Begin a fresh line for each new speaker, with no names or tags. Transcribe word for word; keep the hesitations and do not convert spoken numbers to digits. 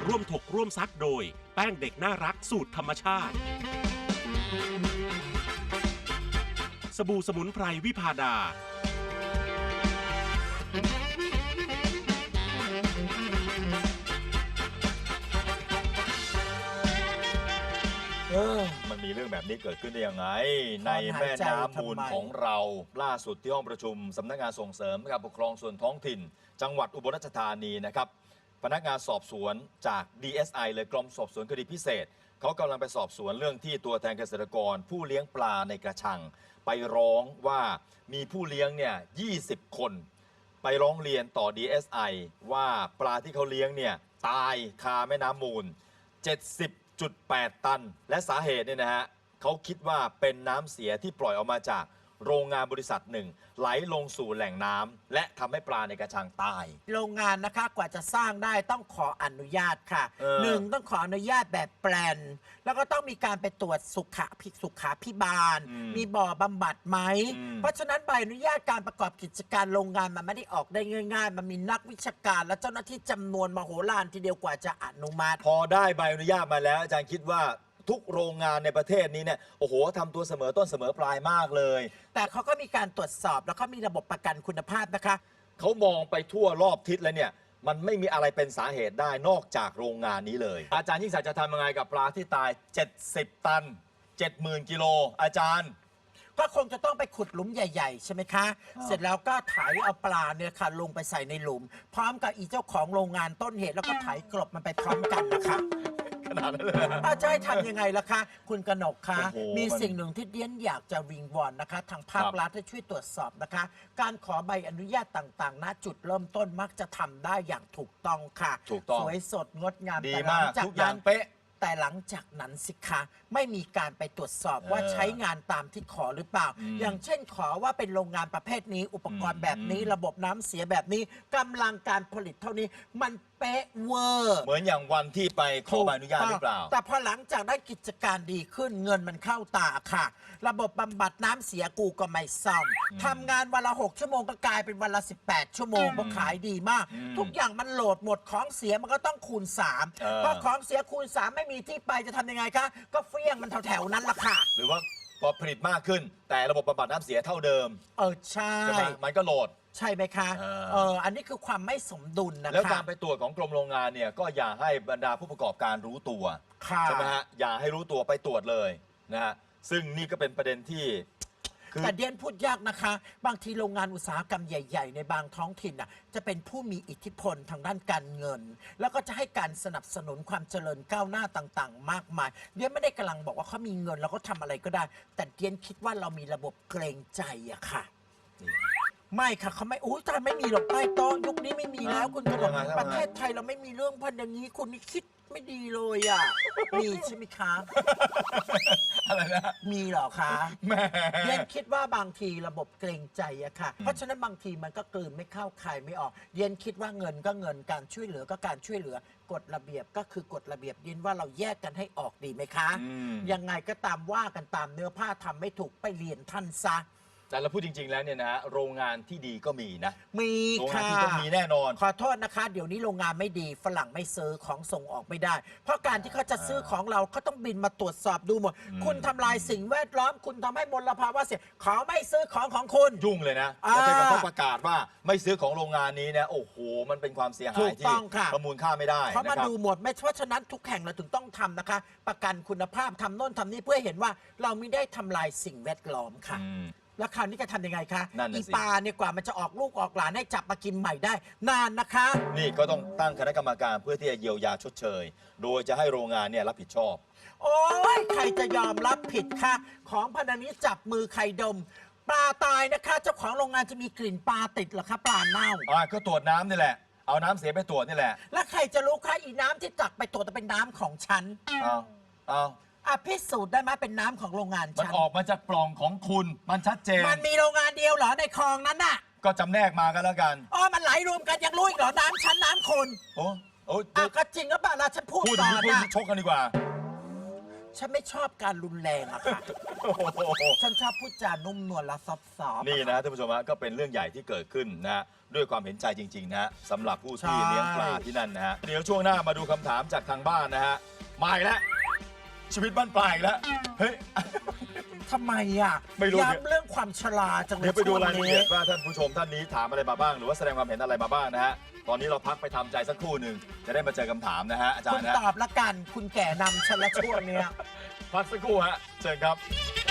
ร่วมถกร่วมซักโดยแป้งเด็กน่ารักสูตรธรรมชาติสบู่สมุนไพรวิพาดา
เออมันมีเรื่องแบบนี้เกิดขึ้นได้ยังไงในแม่น้ำมูลของเราล่าสุดที่ห้องประชุมสำนักงานส่งเสริมการปกครองส่วนท้องถิ่นจังหวัดอุบลราชธานีนะครับพนักงานสอบสวนจาก ดี เอส ไอ เลยกรมสอบสวนคดีพิเศษเขากำลังไปสอบสวนเรื่องที่ตัวแทนเกษตรกรผู้เลี้ยงปลาในกระชังไปร้องว่ามีผู้เลี้ยงเนี่ยยี่สิบคนไปร้องเรียนต่อ ดี เอส ไอ ว่าปลาที่เขาเลี้ยงเนี่ยตายคาแม่น้ำมูลเจ็ดสิบจุดแปด ตันและสาเหตุเนี่ยนะฮะเขาคิดว่าเป็นน้ำเสียที่ปล่อยออกมาจากโรงงานบริษัทหนึ่งไหลลงสู่แหล่งน้ำและทำให้ปลาในกระชังตาย
โรงงานนะคะกว่าจะสร้างได้ต้องขออนุญาตค่ะหนึ่งต้องขออนุญาตแบบแปลนแล้วก็ต้องมีการไปตรวจสุขภิสุขาพิบาลมมีบ่อบำบัดไหมเพราะฉะนั้นใบอนุญาตการประกอบกิจการโรงงานมันไม่ได้ออกได้ง่ายๆมันมีนักวิชาการและเจ้าหน้าที่จำนวนมโหฬารทีเดียวกว่าจะอนุมัติ
พอได้ใบอนุญาตมาแล้วอาจารย์คิดว่าทุกโรงงานในประเทศนี้เนี่ยโอ้โหทำตัวเสมอต้นเสมอปลายมากเลย
แต่เขาก็มีการตรวจสอบแล้วก็มีระบบประกันคุณภาพนะคะ
เขามองไปทั่วรอบทิศแล้วเนี่ยมันไม่มีอะไรเป็นสาเหตุได้นอกจากโรงงานนี้เลยอาจารย์ยิ่งศักดิ์จะทำยังไงกับปลาที่ตายเจ็ดสิบตัน เจ็ดหมื่น กิโลอาจารย์
ก็คงจะต้องไปขุดหลุมใหญ่ๆใช่ไหมคะเสร็จแล้วก็ไถเอาปลาเนี่ยค่ะลงไปใส่ในหลุมพร้อมกับอีเจ้าของโรงงานต้นเหตุแล้วก็ไถกลบมันไปพร้อมกันนะคะ
ขนาดนั้นเลย
อาจารย์ทำยังไงล่ะคะคุณกนกคะมีสิ่งหนึ่งที่เดียนอยากจะวิงวอนนะคะทางภาครัฐให้ช่วยตรวจสอบนะคะการขอใบอนุญาตต่างๆณจุดเริ่มต้นมักจะทำได้อย่างถูกต้องค่ะสวยสดงดงาม
ดีมากทุกอย่างเป๊ะ
แต่หลังจากนั้นสิคะไม่มีการไปตรวจสอบว่าใช้งานตามที่ขอหรือเปล่าอย่างเช่นขอว่าเป็นโรงงานประเภทนี้อุปกรณ์แบบนี้ระบบน้ำเสียแบบนี้กำลังการผลิตเท่านี้มันเป๊ะเวอร์
เหมือนอย่างวันที่ไปขอใบอนุญาตหรือเปล่า
แต่พอหลังจากได้กิจการดีขึ้นเงินมันเข้าตาค่ะระบบบำบัดน้ำเสียกูก็ไม่ซ่อมทำงานวันละหกชั่วโมงก็กลายเป็นวันละสิบแปดชั่วโมงเพราะขายดีมากทุกอย่างมันโหลดหมดของเสียมันก็ต้องคูณสามเพราะของเสียคูณสามไม่มีที่ไปจะทำยังไงคะก็เฟี้ยงมันแถวๆนั้นละค่ะ
หรือว่าพอผลิตมากขึ้นแต่ระบบบำบัดน้ำเสียเท่าเดิม
เออใช่
มันก็โหลด
ใช่ไหมคะเอออันนี้คือความไม่สมดุลนะคะ
แล้วการไปตรวจของกรมโรงงานเนี่ยก็อย่าให้บรรดาผู้ประกอบการรู้ตัวใช่ไหมฮะอย่าให้รู้ตัวไปตรวจเลยนะฮะซึ่งนี่ก็เป็นประเด็นที่
แต่เดียนพูดยากนะคะบางทีโรงงานอุตสาหกรรมใหญ่ๆในบางท้องถิ่นน่ะจะเป็นผู้มีอิทธิพลทางด้านการเงินแล้วก็จะให้การสนับสนุนความเจริญก้าวหน้าต่างๆมากมายเดียนไม่ได้กำลังบอกว่าเขามีเงินแล้วก็ทำอะไรก็ได้แต่เดียนคิดว่าเรามีระบบเกรงใจอะค่ะไม่ค่ะเขาไม่อู้แต่ไม่มีหรอกใต้โต๊ะยุคนี้ไม่มีแล้วคุณกระดกประเทศไทยเราไม่มีเรื่องพันอย่างนี้คุณนี่คิดไม่ดีเลยอ่ะมีใช่ไหมคะ
อะไรนะ
มีหรอคะเดียนคิดว่าบางทีระบบเกรงใจอะค่ะเพราะฉะนั้นบางทีมันก็กลืนไม่เข้าคายไม่ออกเดียนคิดว่าเงินก็เงินการช่วยเหลือก็การช่วยเหลือกฎระเบียบก็คือกฎระเบียบเดียนว่าเราแยกกันให้ออกดีไหมคะยังไงก็ตามว่ากันตามเนื้อผ้าทำไม่ถูกไปเรียนท่านซะ
แต่เราพูดจริงๆแล้วเนี่ยนะโรงงานที่ดีก็มีนะ
มีค่ะโรงงานที่
ต้องมีแน่นอน
ขอโทษนะคะเดี๋ยวนี้โรงงานไม่ดีฝรั่งไม่ซื้อของส่งออกไม่ได้เพราะการที่เขาจะซื้อของเราเขาต้องบินมาตรวจสอบดูหมดคุณทำลายสิ่งแวดล้อมคุณทำให้มลภาวะเสียเขาไม่ซื้อของของคุณ
ยุ่งเลยนะแล้วถ้าเขาประกาศว่าไม่ซื้อของโรงงานนี้นะโอ้โหมันเป็นความเสียหายที่ประมูลค่าไม่ได้
เขามาดูหมดไม่เพราะฉะนั้นทุกแห่งเราถึงต้องทำนะคะประกันคุณภาพทำโน่นทำนี่เพื่อเห็นว่าเราไม่ได้ทำลายสิ่งแวดล้อมค่ะแล้วคราวนี้จะทำยังไงคะอีปลาเนี่ยกว่ามันจะออกลูกออกหลานให้จับมากินใหม่ได้นานนะคะ
นี่ก็ต้องตั้งคณะกรรมการเพื่อที่จะเยียวยาชดเชยโดยจะให้โรงงานเนี่ยรับผิดชอบ
โอ้ยใครจะยอมรับผิดคะของพันนี้จับมือใครดมปลาตายนะคะเจ้าของโรงงานจะมีกลิ่นปลาติดเหรอคะปลาเน่า
อ่าก็ตรวจน้ำนี่แหละเอาน้ำเสียไปตรวจนี่แหละ
แล้วใครจะรู้คะอีน้ำที่จับไปตรวจจะเป็นน้ำของฉัน
เอาเอา
อ่ะพิสูจน์ได้ไหมเป็นน้ำของโรงงาน
ฉันมันออกมาจากปล่องของคุณมันชัดเจน
มันมีโรงงานเดียวเหรอในคลองนั้นน่ะ
ก็จำแนกมากันแล้วกัน
อ๋อมันไหลรวมกันยังรู้อีกเหรอน้ำฉันน้ำคุณ
โอ้โอ้
อ่ะก็จริงก็ป่ะล่ะฉันพูด
ต่อนะชกกันดีกว่า
ฉันไม่ชอบการรุนแรงอะค่ะ
โอ้โห
ฉันชอบพูดจานุ่มนวลและซอฟต์ๆ
นี่นะท่านผู้ชมฮะก็เป็นเรื่องใหญ่ที่เกิดขึ้นนะฮะด้วยความเห็นใจจริงๆนะฮะสำหรับผู้ที่
ใช่
เลี้ยงปลาที่นั่นนะฮะเดี๋ยวช่วงหน้ามาดูคำถามจากทางบ้านนะฮะมาอีกแล้วชีวิตบ้านปลายอีกแล้วเฮ้ย
ทำไมอ่ะ
ไม่รู้เนี่ย
ย้ำเรื่องความชราจังเลย
เดี๋ยวไปดูรายละเอียด
ช่วงนี้
ว่าท่านผู้ชมท่านนี้ถามอะไรมาบ้าง หรือว่าแสดงความเห็นอะไรมาบ้างนะฮะตอนนี้เราพักไปทำใจสักครู่หนึ่งจะได้มาเจอคำถามนะฮะอาจาร
คุณ
ย์นะ
ตอบละกัน คุณแก่นำฉันละช่วงเนี้ย
พักสักครู่ฮะเชิญครับ